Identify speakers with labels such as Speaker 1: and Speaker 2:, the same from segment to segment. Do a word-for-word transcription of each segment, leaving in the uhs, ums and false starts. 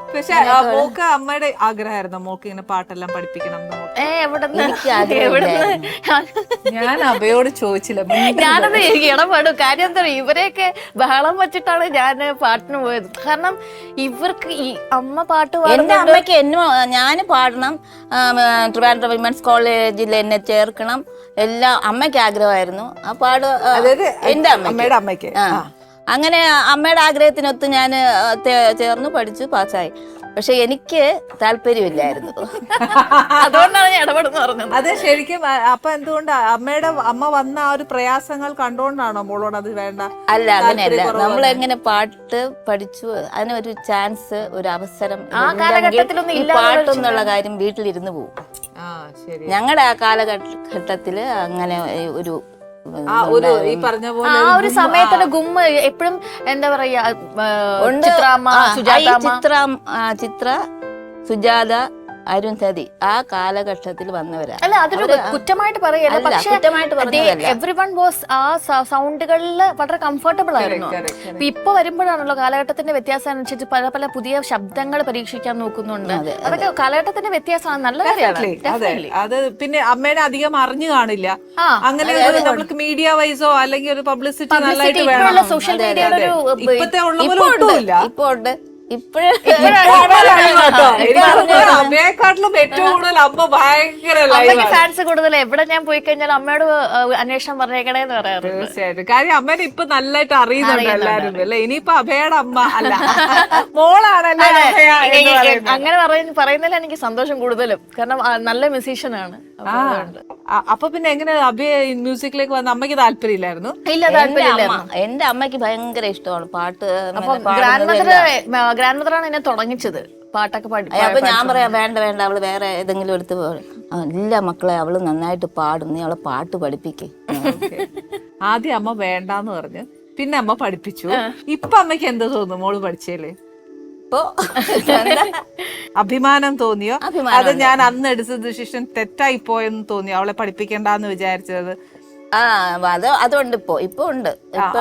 Speaker 1: പക്ഷെ മോക്ക് അമ്മയുടെ ആഗ്രഹമായിരുന്നു മോക്ക് ഇങ്ങനെ പാട്ടെല്ലാം പഠിപ്പിക്കണം എന്ന്?
Speaker 2: ഏ എവിടെന്ന്
Speaker 1: ഞാൻ അഭയോട് ചോദിച്ചില്ല.
Speaker 2: ഞാനത് ഇടപെടും. കാര്യം എന്താ പറയുക, ഇവരെയൊക്കെ ബഹളം വെച്ചിട്ടാണ് ഞാൻ പാട്ടിന് പോയത്. കാരണം ഇവർക്ക് ഈ അമ്മ പാട്ട്
Speaker 3: എന്റെ അമ്മയ്ക്ക് എന്നോ ഞാൻ പാടണം, ട്രിവാൻഡ്രം വിമൻസ് കോളേജിൽ എന്നെ ചേർക്കണം, എല്ലാം അമ്മയ്ക്ക് ആഗ്രഹമായിരുന്നു. ആ പാട് എന്റെ
Speaker 1: അമ്മയുടെ അമ്മയ്ക്ക്.
Speaker 3: അങ്ങനെ അമ്മയുടെ ആഗ്രഹത്തിനൊത്ത് ഞാൻ ചേർന്ന് പഠിച്ചു പാസ്സായി. പക്ഷെ എനിക്ക് താല്പര്യമില്ലായിരുന്നു.
Speaker 2: അതുകൊണ്ടാണ് ഞാൻ ഇടപെടുന്നു പറഞ്ഞത്.
Speaker 1: അത് ശരിക്കും അപ്പൊ എന്തുകൊണ്ട് അമ്മയുടെ അമ്മ വന്ന ആ ഒരു പ്രയാസങ്ങൾ കണ്ടുകൊണ്ടാണോ മോളോട് അത് വേണ്ട?
Speaker 3: അല്ല, അങ്ങനെയല്ല. നമ്മൾ എങ്ങനെ പാട്ട് പഠിച്ചു, അതിനൊരു ചാൻസ്, ഒരു അവസരം
Speaker 2: ആ കാലഘട്ടത്തിലൊന്നും ഇല്ല.
Speaker 3: പാട്ടെന്നുള്ള കാര്യം വീട്ടിലിരുന്ന് പോകും. ഞങ്ങളുടെ ആ കാലഘട്ടത്തില് അങ്ങനെ ഒരു
Speaker 1: ഈ പറഞ്ഞ പോലെ
Speaker 2: ആ ഒരു സമയത്തുള്ള ഗുമ്മ എപ്പോഴും എന്താ പറയാ, ചിത്രാമ്മ,
Speaker 3: ചിത്ര ചിത്ര സുജാത, അരുന്ധതി ആ കാലഘട്ടത്തിൽ വന്നവരാ.
Speaker 2: അല്ല, അതൊരു കുറ്റമായിട്ട് പറയല്ല. പക്ഷേ എവ്രി വൺ വാസ് ആ സൗണ്ടുകളിൽ വളരെ കംഫർട്ടബിൾ ആയിരുന്നു. ഇപ്പൊ വരുമ്പോഴാണല്ലോ കാലഘട്ടത്തിന്റെ വ്യത്യാസം അനുസരിച്ച് പല പല പുതിയ ശബ്ദങ്ങൾ പരീക്ഷിക്കാൻ നോക്കുന്നുണ്ട്. അതൊക്കെ കാലഘട്ടത്തിന്റെ വ്യത്യാസമാണ്, നല്ല കാര്യമാണ്.
Speaker 1: അത് പിന്നെ അമ്മേനെ അധികം അറിഞ്ഞു കാണില്ല. അങ്ങനെ നമുക്ക് മീഡിയ വൈസോ അല്ലെങ്കിൽ ഒരു പബ്ലിസിറ്റി നല്ലതായിട്ട് വേണം.
Speaker 2: സോഷ്യൽ മീഡിയയുടെ ഒരു
Speaker 1: ഇപ്പത്തെ ഉള്ള പോലെ ഒട്ടുമില്ല.
Speaker 3: ഇപ്പൊ ഉണ്ട്. ഇപ്പഴും
Speaker 1: അമ്മയെക്കാട്ടിലും ഏറ്റവും കൂടുതൽ അമ്മ ഭയങ്കര
Speaker 2: ഫാൻസ് കൂടുതൽ. എവിടെ ഞാൻ പോയി കഴിഞ്ഞാൽ അമ്മയോട് അന്വേഷണം പറഞ്ഞേക്കണേന്ന് പറയാറ്.
Speaker 1: തീർച്ചയായിട്ടും. കാര്യം അമ്മേനെ ഇപ്പൊ നല്ലതായിട്ട് അറിയുന്നുണ്ട് എല്ലാരും അല്ലെ. ഇനിയിപ്പൊ അഭയുടെ അമ്മ അല്ല, മോളാണല്ലേ.
Speaker 2: അങ്ങനെ പറയുന്നതിൽ എനിക്ക് സന്തോഷം കൂടുതലും. കാരണം നല്ല മ്യൂസീഷ്യനാണ്.
Speaker 1: അപ്പൊ പിന്നെ എങ്ങനെ അഭയ മ്യൂസിക്കിലേക്ക് വന്ന അമ്മയ്ക്ക് താല്പര്യമില്ലായിരുന്നു?
Speaker 2: ഇല്ല, താല്പര്യമില്ല.
Speaker 3: എന്റെ അമ്മയ്ക്ക് ഭയങ്കര ഇഷ്ടമാണ് പാട്ട്.
Speaker 2: ഗ്രാൻഡ് മദർ ഗ്രാൻഡ് മദറാണ് എന്നെ തുടങ്ങിച്ചത് പാട്ടൊക്കെ പാടി.
Speaker 3: അപ്പൊ ഞാൻ പറയാം, വേണ്ട വേണ്ട, അവള് വേറെ ഏതെങ്കിലും എടുത്ത് ഇല്ല മക്കളെ, അവള് നന്നായിട്ട് പാടും, നീ അവളെ പാട്ട് പഠിപ്പിക്കേ.
Speaker 1: ആദ്യം അമ്മ വേണ്ടാന്ന് പറഞ്ഞു, പിന്നെ അമ്മ പഠിപ്പിച്ചു. ഇപ്പൊ അമ്മയ്ക്ക് എന്ത് തോന്നുന്നു മോള് പഠിച്ചേലേ?
Speaker 3: ഇപ്പൊ
Speaker 1: അഭിമാനം തോന്നിയോ? അത് ഞാൻ അന്ന് എടുത്ത ഡിസിഷൻ തെറ്റായി പോയെന്ന് തോന്നിയോ, അവളെ പഠിപ്പിക്കണ്ടെന്ന് വിചാരിച്ചത്?
Speaker 3: ആ അത് അതുകൊണ്ട് ഇപ്പൊ ഇപ്പൊ ഉണ്ട്.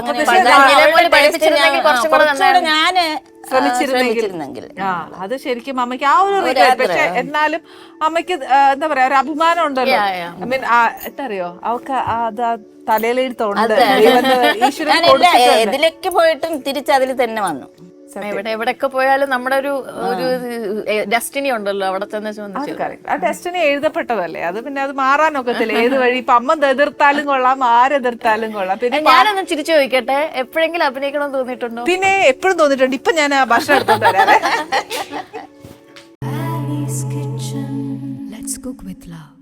Speaker 3: ഞാന് ശ്രമിച്ചിരുന്നെങ്കിൽ
Speaker 1: അത് ശരിക്കും അമ്മയ്ക്ക് ആ ഒരു റിഗ്രറ്റ്. പക്ഷെ എന്നാലും അമ്മയ്ക്ക് എന്താ പറയാ, ഒരു അഭിമാനം ഉണ്ടല്ലോ. ഐ മീൻ എന്താ അറിയോ, അവൾക്ക് അത് തലയിലെടുത്തോണ്ട്
Speaker 3: ഇതിലേക്ക് പോയിട്ടും തിരിച്ചതിൽ തന്നെ വന്നു.
Speaker 2: എവിടെ എവിടെയൊക്കെ പോയാലും നമ്മുടെ ഒരു ഒരു ഡെസ്റ്റിനി ഉണ്ടല്ലോ, അവിടെ തന്നെ.
Speaker 1: ആ ഡെസ്റ്റിനി എഴുതപ്പെട്ടതല്ലേ, അത് പിന്നെ അത് മാറാനൊക്കത്തില്ല ഏത് വഴി. ഇപ്പൊ അമ്മ എതിർത്താലും കൊള്ളാം, ആരെതിർത്താലും കൊള്ളാം. പിന്നെ
Speaker 2: ഞാനൊന്ന് ചിരിച്ചു ചോദിക്കട്ടെ, എപ്പോഴെങ്കിലും അഭിനയിക്കണമെന്ന് തോന്നിയിട്ടുണ്ടോ?
Speaker 1: പിന്നെ എപ്പോഴും തോന്നിയിട്ടുണ്ട്. ഇപ്പൊ ഞാൻ ഭക്ഷണം എടുത്തോണ്ട് വരാതെ.